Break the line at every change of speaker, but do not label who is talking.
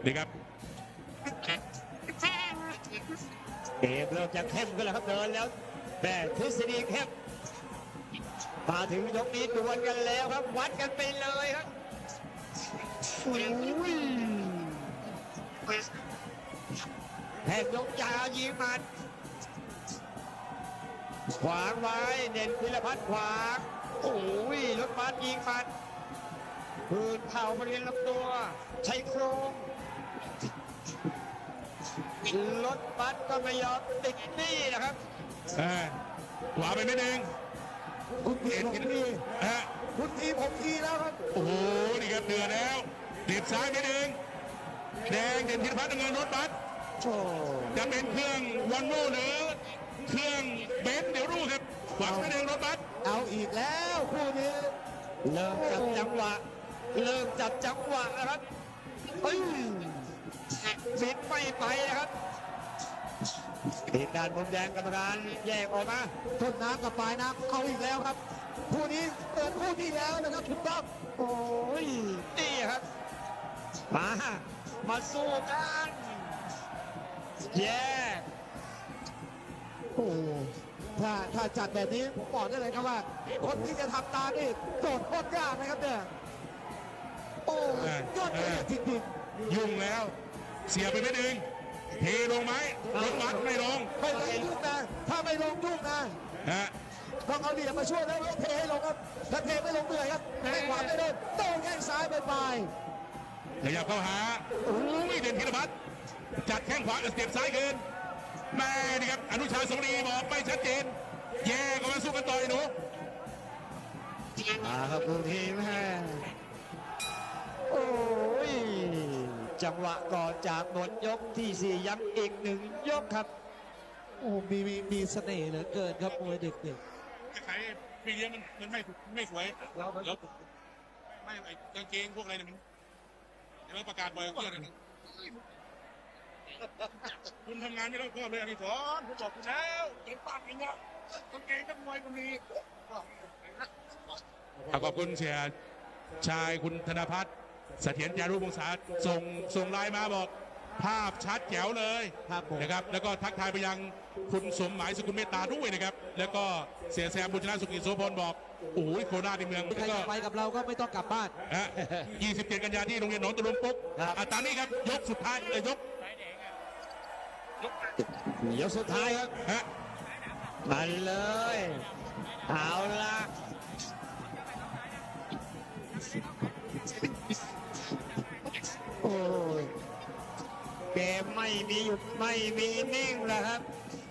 นี่ครับ
เกมเริ่มจะเข้มขึ้นแล้วครับเดินแล้วแต่ทฤษฎีเข้มมาถึงยกนี้ดวลกันแล้วครับวัดกันไปเลยครับอุ้ยแทงยกยาวยิงหมัดขวางไว้เด่นพิรพัฒน์ขวางโอ้ยรถบัสยิงหมัดพื้นเข่าบริเวณลำตัวใช้โครงรถบัสก็ไม่ยอมติดนี่นะครับ
ขวาไปไม่ดึง
คุณทีผมที
ฮะ
คุณทีผมทีแล้วครับ
โอ้โหนี่ครับเดือดแล้วเด็บซ้ายไม่ดึงแดงเด่นพิรพัฒน์น้ำเงินรถบัส
โอ้
จะเป็นเครื่องวันโวหรือเครื่องเบนซ์เดี๋ยวรู้ครับขวาไม่ดึงรถบัส
เอาอีกแล้วคู่นี้เริ่มจับจังหวะนะครับเฮ้ยบิดไม่ไปนะครับทีมงานมุมแดงกรรมการแยกออกมาต้นน้ำกับปลายน้ำเอาอีกแล้วครับคู่นี้เปิดคู่ที่แล้วนะครับถูกต้องโอ้ยนี่ครับมาสู้กันแย่โอ้ถ้าจัดแบบนี้ผมบอกได้เลยครับว่าคนที่จะทำตามนี่โจทย์โคตรยากนะครับเนี่ยโอ้ยอดเยี่ยมจริง
ยุ่งแล้วเสียไปไม่ดึงเทลงไหมรถบัสไม่ลง
ๆไม่ลงยุ่งนะถ้าไม่ลงยุ่งนะ
ฮะ
ต้องเอาเหลี่ยมมาช่วยแล้วเทให้ลงครับถ้าเทไม่ลงเหนื่อยครับไม่ขวาไม่โดนโต้แข้งซ้ายไป
ขยับเข้าหาโอ้ยเด่นพิรพัฒน์จัดแข้งขวากับสเต็ปซ้ายคืนแม่นี่ครับอนุชาสงรีบอกไม่ชัดเจนแย่ก็มาสู้กันต่อยหนู
ครับคุณทีมแม่โอ้ยจังหวะก่อนจากหมดยกที่4ย้ำอีก1ยกครับโอ้มีเสน่ห์เหลือเกินครับมวยเด็ก
ใครพี่เลี้ยงมันไม่สวยแล้วไม่ไอ้กางเกงพวกอะไรเนี่ยมันเดี๋ยวประกาศบ่อยเพื่อนเลยคุณทำงานไม่ต้องชอบเลยอดิศรผมบอกคุณแล้วเก่งปากเองอะกางเกงนักมวยก็มีขอบคุณเสียชายคุณธนพัฒน์เสถียรจารุวงศาส่งไลน์มาบอกภาพชัดแจ๋วเลย
ครับผม
นะครับแล้วก็ทักทายไปยังคุณสมหมายสกุลเมตตาด้วยนะครับแล้วก็เสียแซมบุญชนะสุกิจโสพลบอกโอ้ยโคราชในเมือง
ๆใคร
ก็
จะไปกับเราก็ไม่ต้องกลับบ้าน
27 กันยาที่โรงเรียนหนองตะลุมปุ๊ก
ครับ
ตามนี้ครับยกสุดท้ายยก
ยกสุดท้ายครับ
ฮะ
มาเลยเอาละโอ้ยเกมไม่มีหยุดไม่มีนิ่งแล้วครับ